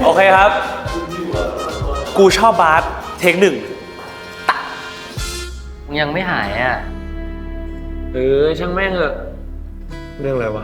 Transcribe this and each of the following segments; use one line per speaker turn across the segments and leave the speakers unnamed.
โอเคครับ กูชอบบาสเทคหนึ่ง
มึงยังไม่หายอ่ะ
ช่างแม่งเถอะเรื่องอะไรวะ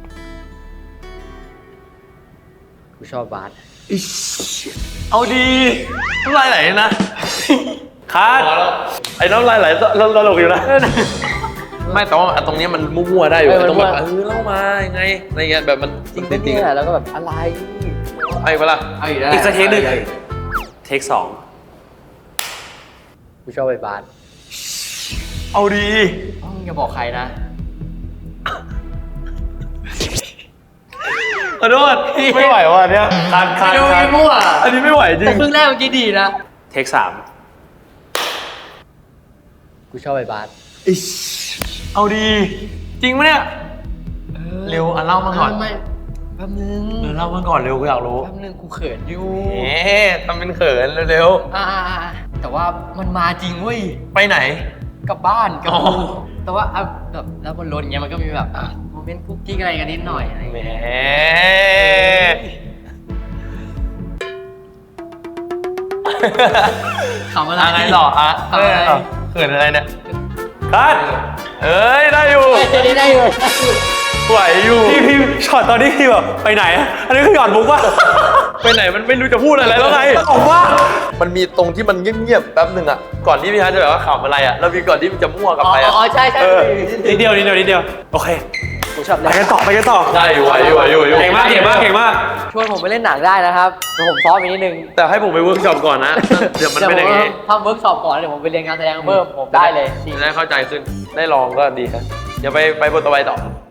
กูชอบบาส
เอาดีน้ำลายไหลนะคัดไอ้น้ำลายไหลตลกอยู่นะไม่แต่ว่าตรงนี้มันมั่วๆได้อยู่ตรงแบบเล่ามายังไงอะไรเงี้ยแบบมันจริงจริง
แล้วก็แบบอะไร
ไอ้เวลา
เอาอีกแล้ว
อีกสักเทคหนึ่งเทคสอง
กูชอบไปบาส
เอาดี
มึงอย่าบอกใครนะ
ขอโทษไม่ไหวว่ะเนี่ยคัน
ดูไม่มั่ว
อันนี้ไม่ไหวจริ
แต่
ง
ครึ่งแรกเมื่อกี้ดีนะ
เทคสาม
กูชอบไปบาส
เอาดีจริงไหมเนี่ยเร็วเล่ามาก่อน
ไม่แป๊บนึง
เล่ามาก่อนเร็วกูอยากรู้
แป๊บนึงกูเขินอยู่
ทำเป็นเขินเร็ว
แต่ว่ามันมาจริงเว้ย
ๆไปไหน
กลับบ้านกับ
อ๋อ
กูแต่ว่าแบบแล้วบนรถเงี้ยมันก็มีแบบโมเมนต์กุ๊กกิ๊กอะไรกันนิดหน่อยอะไร
แหม
เงี้ยคำอะไร
ไงต่อฮะ
คำอะไร
เขินอะไรเนี่ยคัดเอ้ยได้อยู่
ได้อยู่
ไหวอยู่พี่ช็อตตอนนี้พี่แบบไปไหนอะอันนี้คือหยอดมุกวะไปไหนมันไม่รู้จะพูดอะไรแล้วไงบอกว่ามันมีตรงที่มันเงียบๆแป๊บหนึ่งอะก่อนที่พี่ฮัทจะแบบว่าขำอะไรอะแล้วมีก่อนที่มันจะมั่วกลับไปอะ
อ๋อใช่ใช่
นิดเดียวโอเค
ผมชอบ
ไปกันต่อได้อยู่ไหวอยู่เก่งมาก
ชวนผมไปเล่นหนังได้นะครับเดี๋ยวผมซ้อมอีกนิดนึง
แต่ให้ผมไปเวิร์กช็อปก่อนนะเดี๋ยวมันเป็นอย่างนี้
ทำเวิร์กช็อปก่อนเดี๋ยวผมไปเรียนการแสดงเพิ่มผมได้เลย
จะได้เข้าใจขึ้นได้ลองก็ดีครับเดี๋ยวไปบทต่อไปต่อ